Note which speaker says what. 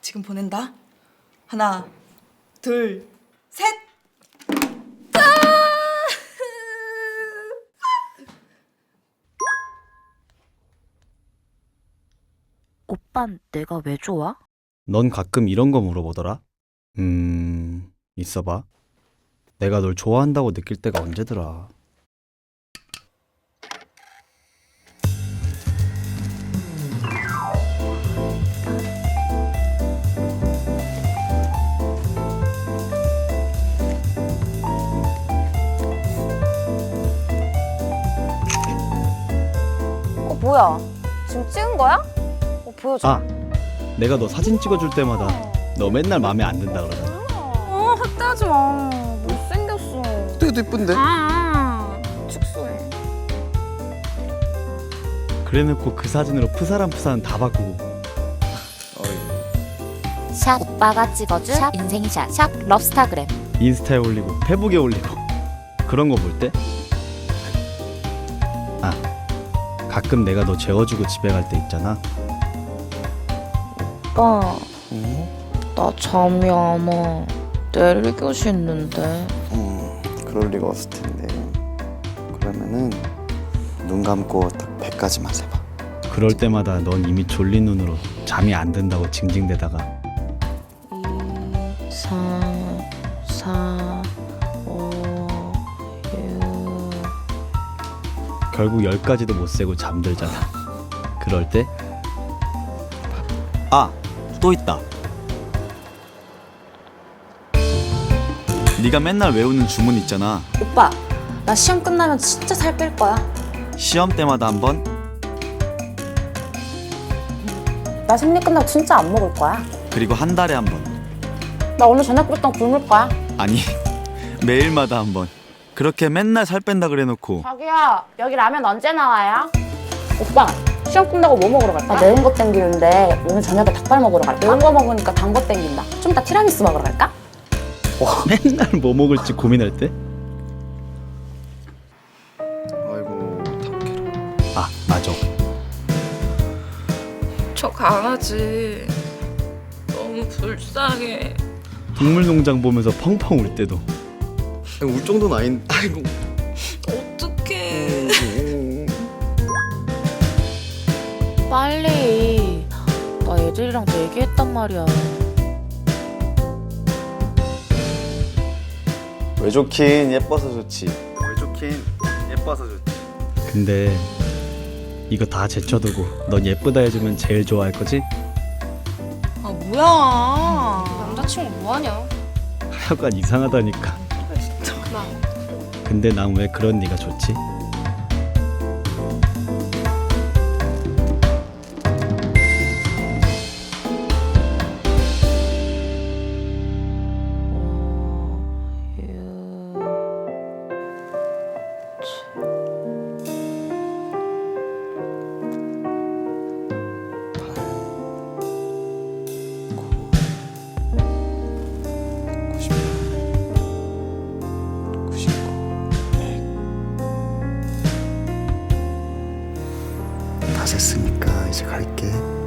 Speaker 1: 지금 보낸다. 하나, 둘, 셋.
Speaker 2: 오빤 내가 왜 좋아?
Speaker 3: 넌 가끔 이런 거 물어보더라. 있어봐. 내가 널 좋아한다고 느낄 때가 언제더라.
Speaker 4: 뭐야? 지금 찍은 거야? 보여줘.
Speaker 3: 아, 내가 너 사진 찍어줄 때마다 너 맨날 마음에 안 든다 그러잖아.
Speaker 4: 확대하지 마. 못생겼어.
Speaker 5: 되게 이쁜데?
Speaker 4: 축소해.
Speaker 3: 그래놓고 그 사진으로 푸사람 다 바꾸고.
Speaker 2: 샵 오빠가 찍어준 샵 인생샷 샵 럽스타그램.
Speaker 3: 인스타에 올리고 페북에 올리고 그런 거 볼 때? 아, 가끔 내가 너 재워주고 집에 갈 때 있잖아.
Speaker 6: 오빠, 나 잠이 안 와. 내일 교시 있는데.
Speaker 5: 그럴 리가 없을 텐데. 그러면은 눈 감고 딱 100까지만 세봐.
Speaker 3: 그럴 때마다 넌 이미 졸린 눈으로 잠이 안 든다고 징징대다가
Speaker 6: 2, 3, 4, 5, 6.
Speaker 3: 결국 10까지도 못 세고 잠들잖아. 그럴 때? 아! 또 있다. 네가 맨날 외우는 주문 있잖아.
Speaker 4: 오빠, 나 시험 끝나면 진짜 살 뺄 거야.
Speaker 3: 시험 때마다 한 번?
Speaker 4: 나 생리 끝나고 진짜 안 먹을 거야.
Speaker 3: 그리고 한 달에 한 번.
Speaker 4: 나 오늘 저녁부터 굶을 거야.
Speaker 3: 아니, 매일마다 한 번. 그렇게 맨날 살 뺀다 그래놓고
Speaker 4: 자기야, 여기 라면 언제 나와요? 오빠, 시험 끝나고 뭐 먹으러 갈까? 나 매운 거 땡기는데 오늘 저녁에 닭발 먹으러 갈까? 매운 거 먹으니까 단 거 땡긴다. 좀 이따 티라미수 먹으러 갈까?
Speaker 3: 맨날 뭐 먹을지 고민할 때?
Speaker 5: 아이고 탁해라.
Speaker 3: 아, 맞아.
Speaker 7: 저 강아지 너무 불쌍해.
Speaker 3: 동물농장 보면서 펑펑 울 때도.
Speaker 5: 울 정도는 아닌. 아이고.
Speaker 7: 어떡해.
Speaker 6: 빨리. 나 애들이랑 얘기했단 말이야.
Speaker 5: 왜 좋긴 예뻐서 좋지. 왜 좋긴 예뻐서 좋지.
Speaker 3: 근데 이거 다 제쳐두고 넌 예쁘다 해주면 제일 좋아할 거지?
Speaker 1: 아 뭐야?
Speaker 4: 남자친구 뭐하냐?
Speaker 3: 하여간 이상하다니까. 근데 난 왜 그런 네가 좋지?
Speaker 5: 다 셌으니까 이제 갈게.